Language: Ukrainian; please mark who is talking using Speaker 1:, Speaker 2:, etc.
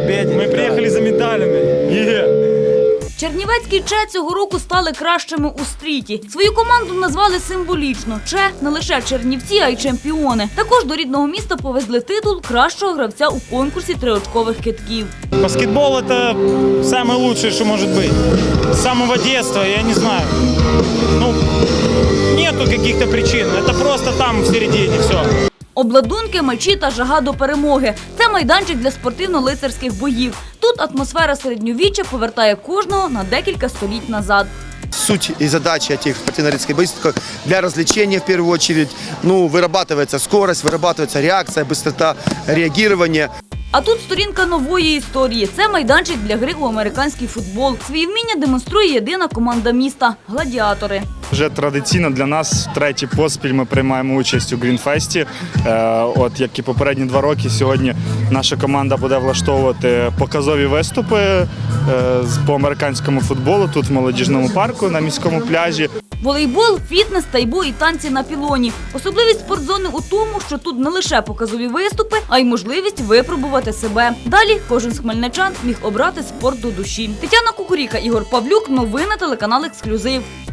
Speaker 1: победе.
Speaker 2: Мы приехали за медалями.
Speaker 3: Чернівецькі ЧЕ цього року стали кращими у стріті. Свою команду назвали символічно. ЧЕ – не лише чернівці, а й чемпіони. Також до рідного міста повезли титул кращого гравця у конкурсі триочкових кидків.
Speaker 2: Баскетбол – это самое лучшее, что может быть. С самого детства, я не знаю. Ну, нету каких-то причин. Это просто там в середине все.
Speaker 3: Обладунки, мечі та жага до перемоги – це майданчик для спортивно-лицарських боїв. Тут атмосфера середньовіччя повертає кожного на декілька століть назад.
Speaker 1: Суть и задача этих спортивно-лицарских боев для развлечения в первую очередь. Ну, вырабатывается скорость, вырабатывается реакция, быстрота реагирования.
Speaker 3: А тут сторінка нової історії. Це майданчик для гри у американський футбол. Свої вміння демонструє єдина команда міста – «Гладіатори».
Speaker 4: Вже традиційно для нас втретє поспіль ми приймаємо участь у Грінфесті. От як і попередні 2 роки, сьогодні наша команда буде влаштовувати показові виступи по американському футболу тут в молодіжному парку на міському пляжі.
Speaker 3: Волейбол, фітнес, тайбо і танці на пілоні. Особливість спортзони у тому, що тут не лише показові виступи, а й можливість випробувати себе. Далі кожен з хмельничан міг обрати спорт до душі. Тетяна Кукуріка, Ігор Павлюк. Новини телеканал «Ексклюзив».